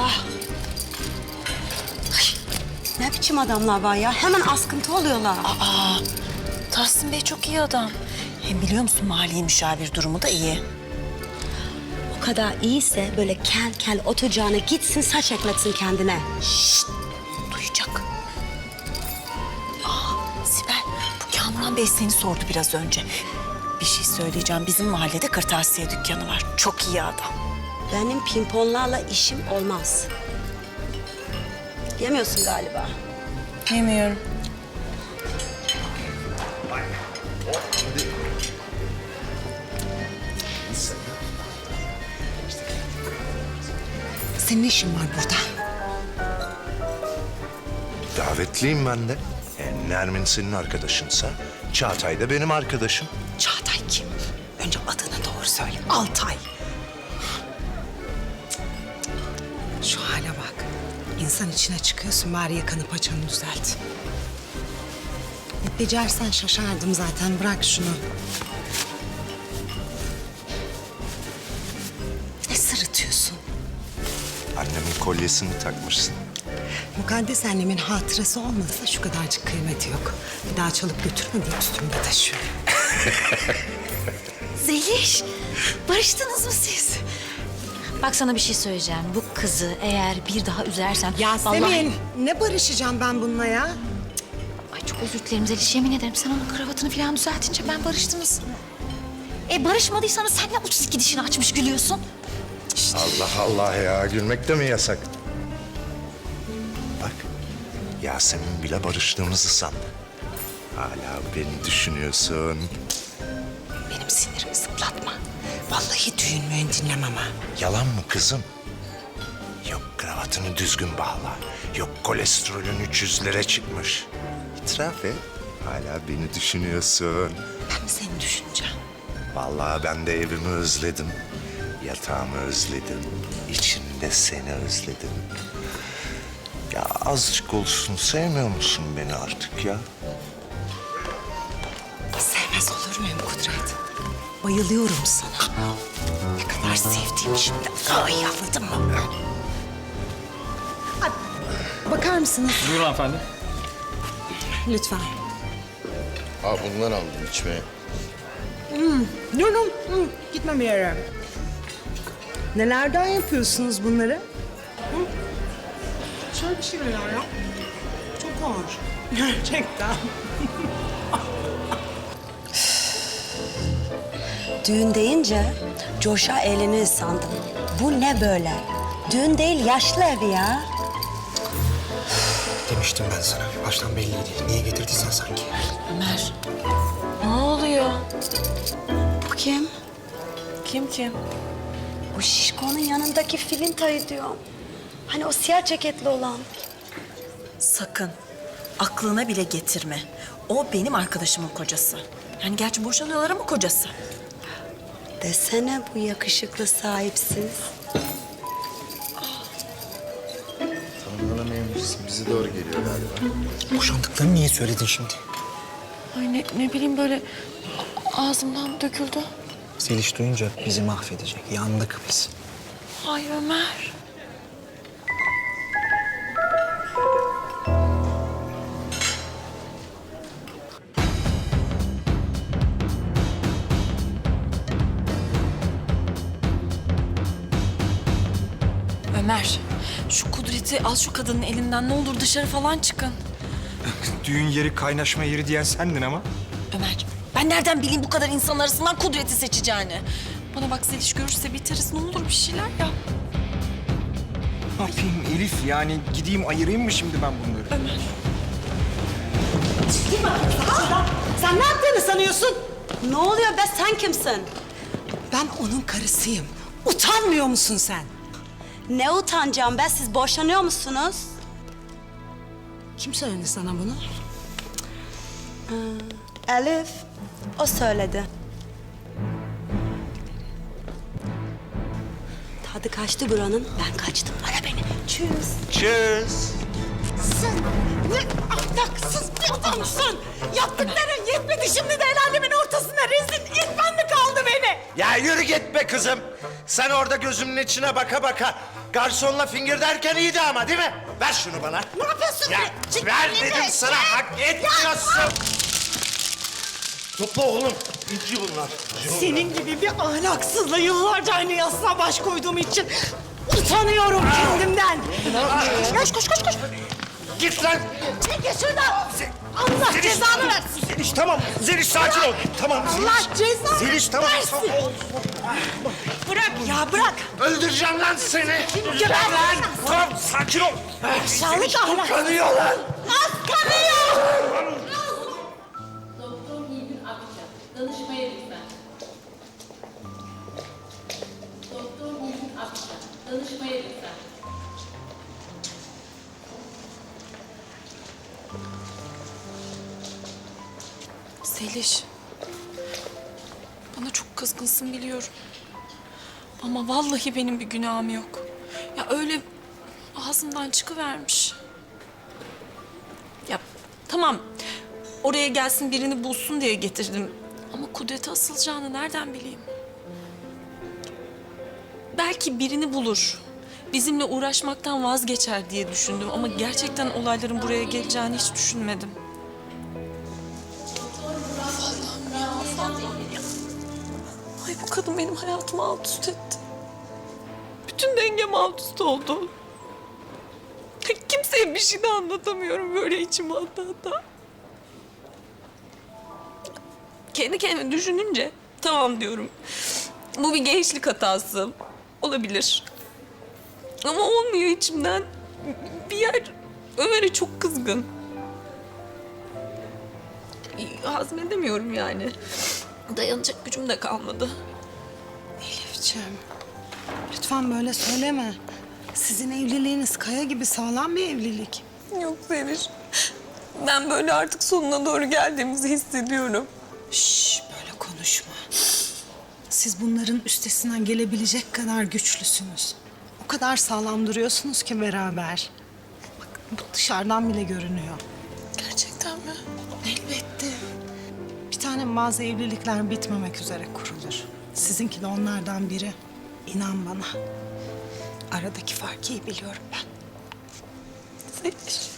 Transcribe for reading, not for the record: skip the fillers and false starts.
Ne biçim adamlar var ya? Hemen askıntı oluyorlar. Tahsin Bey çok iyi adam. Hem biliyor musun mali müşavir durumu da iyi. O kadar iyiyse böyle kel kel oturacağına gitsin saç ekletsin kendine. Duyacak. Sibel, bu Kamuran Bey seni sordu biraz önce. Bir şey söyleyeceğim. Bizim mahallede kırtasiye dükkanı var. Çok iyi adam. Benim pimponlarla işim olmaz. Yemiyorsun galiba. Yemiyorum. Senin ne işin var burada? Davetliyim ben de. Nermin senin arkadaşınsa Çağatay da benim arkadaşım. Çağatay kim? Önce adını doğru söyle. Altay. Şu hale bak. İnsan içine çıkıyorsun, bari yakanı paçanı düzelt. Becersen şaşardım zaten. Bırak şunu. Ne sırıtıyorsun? Annemin kolyesini takmışsın. Mukaddes annemin hatırası olmasa şu kadarcık kıymeti yok. Bir daha çalıp götürme diye üstümde taşıyorum. Zeliş, barıştınız mı siz? Bak sana bir şey söyleyeceğim. Bu kızı eğer bir daha üzersen... Yasemin, vallahi- ne barışacağım ben bununla ya? Ay çok özür dilerim Zeliş. Yemin ederim sen onun kravatını falan düzeltince ben barıştınız. Barışmadıysanız sen ne 32 dişini açmış gülüyorsun? Allah Allah ya, gülmek de mi yasak? Bak, Yasemin bile barıştığımızı sandı. Hala beni düşünüyorsun. Benim sinirimi zıplatma. Vallahi düğün müğün dinlemem ha. Yalan mı kızım? Yok kravatını düzgün bağla. Yok kolesterolün 300'lere çıkmış. İtiraf et. Hala beni düşünüyorsun. Ben mi seni düşüneceğim? Vallahi ben de evimi özledim. Yatağımı özledim. İçinde seni özledim. Ya azıcık olsun sevmiyor musun beni artık ya? Sevmez olur muyum Kudret? Bayılıyorum sana. Ne kadar sevdiğimi şimdi daha iyi anladın mı? Ay, bakar mısınız? Buyurun hanımefendi. Lütfen. Bundan aldım içmeye. Dur, gitme bir yere. Nelerden yapıyorsunuz bunları? Hı? Şöyle bir şeyler ya. Çok ağır. Gerçekten. Düğün deyince coşa eğlenir sandım. Bu ne böyle? Düğün değil yaşlı evi ya. Demiştim ben sana. Baştan belliydi. Niye getirdiysen sanki. Ömer, ne oluyor? Bu kim? Kim? Bu şişkonun yanındaki Filinta'yı diyorum. Hani o siyah ceketli olan. Sakın, aklına bile getirme. O benim arkadaşımın kocası. Yani gerçi boşanıyorlar ama kocası. Desene bu yakışıklı sahipsiz. Tanımlanamaymışsın. Bize doğru geliyor galiba. Boşandıklarını niye söyledin şimdi? Ay ne bileyim böyle ağzımdan döküldü. Zeliş duyunca bizi mahvedecek. Yandık biz. Ay Ömer. Ömer, şu Kudret'i al şu kadının elinden, ne olur dışarı falan çıkın. Düğün yeri, kaynaşma yeri diyen sendin ama. Ömer, ben nereden bileyim bu kadar insan arasından Kudret'i seçeceğini? Bana bak Zeliş görürse biteriz, ne olur bir şeyler yap. Ne yapayım Elif, yani gideyim ayırayım mı şimdi ben bunları? Ömer. Sen ne yaptığını sanıyorsun? Ne oluyor be sen kimsin? Ben onun karısıyım. Utanmıyor musun sen? Ne utanacağım be siz boşanıyor musunuz? Kim söyledi sana bunu? Elif. O söyledi. Tadı kaçtı buranın. Ben kaçtım. Ara beni. Tschüss. Cheers. Sen ne ahlaksız bir adamsın. Yaptıkların yetmedi, şimdi de el alemin ortasına rezil etmen mi kaldı beni? Ya yürü git be kızım. Sen orada gözümün içine baka baka garsonla finger derken iyiydi ama değil mi? Ver şunu bana. Ne yapıyorsun? Ya Çık ver elini. dedim sana, hak etmiyorsun. Topla oğlum, inci bunlar. Senin gibi bir ahlaksızla yıllarca aynı yastığa baş koyduğum için utanıyorum kendimden. Koş koş koş koş. Git lan. Çekil şuradan. Allah Zeliş, cezanı versin. Zeliş tamam, Zeliş sakin ol. Tamam Zeliş. Allah cezanı Zeliş tamam. versin. Bırak ya bırak. Öldüreceğim lan seni. Geber lan. Tamam sakin ol. Aşağılık ahlak. Kanıyor lan. Az kanıyor. Doktor Nilgün Akça, danışmaya lütfen. Doktor Nilgün Akça, danışmaya lütfen. Zeliş. Bana çok kızgınsın biliyorum. Ama vallahi benim bir günahım yok. Ya öyle ağzımdan çıkıvermiş. Ya tamam. Oraya gelsin birini bulsun diye getirdim. Ama Kudret'e asılacağını nereden bileyim? Belki birini bulur. Bizimle uğraşmaktan vazgeçer diye düşündüm. Ama gerçekten olayların buraya geleceğini hiç düşünmedim. Ay bu kadın benim hayatımı alt üst etti. Bütün dengem alt üst oldu. Kimseye bir şey de anlatamıyorum böyle içime ata. Kendi kendime düşününce tamam diyorum. Bu bir gençlik hatası. Olabilir. Ama olmuyor içimden. Bir yer Ömer'e çok kızgın. Hazmedemiyorum yani. Dayanacak gücüm de kalmadı. Elifciğim, lütfen böyle söyleme. Sizin evliliğiniz kaya gibi sağlam bir evlilik. Yok Zeliş. Ben böyle artık sonuna doğru geldiğimizi hissediyorum. Şş, böyle konuşma. Siz bunların üstesinden gelebilecek kadar güçlüsünüz. O kadar sağlam duruyorsunuz ki beraber. Bak bu dışarıdan bile görünüyor. Gerçekten mi? Elbette. Bir tane bazı evlilikler bitmemek üzere kurulur. Sizinki de onlardan biri. İnan bana. Aradaki farkı iyi biliyorum ben. Zeliş.